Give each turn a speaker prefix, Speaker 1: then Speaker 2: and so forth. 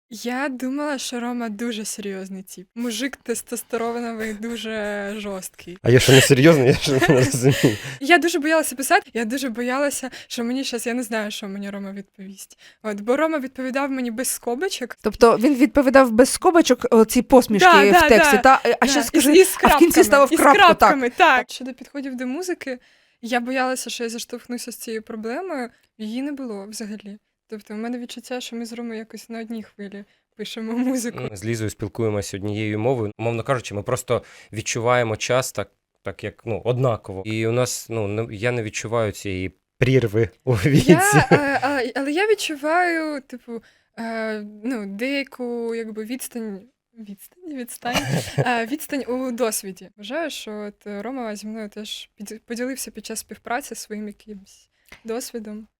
Speaker 1: Я думала, що Рома дуже серйозний тип. Мужик тестостероновий, дуже жорсткий.
Speaker 2: А я що не серйозно, я що не розумію.
Speaker 1: Я дуже боялася писати, я дуже боялася, що мені зараз, я не знаю, що мені Рома відповість. Бо Рома відповідав мені без скобочок.
Speaker 3: Тобто він відповідав без скобочок ці посмішки в тексті, а ще скажи,
Speaker 1: в
Speaker 3: кінці ставив крапку,
Speaker 1: крапками, так. Щодо підходів до музики, я боялася, що я заштовхнуся з цією проблемою, її не було взагалі. Тобто в мене відчуття, що ми з Ромою якось на одній хвилі пишемо музику.
Speaker 2: Ми з Лізою спілкуємося однією мовою. Умовно кажучи, ми просто відчуваємо час так як однаково. І у нас, я не відчуваю цієї прірви у віці.
Speaker 1: Але я відчуваю, деяку відстань у досвіді. Вважаю, що Рома зі мною теж поділився під час співпраці своїм якимось досвідом.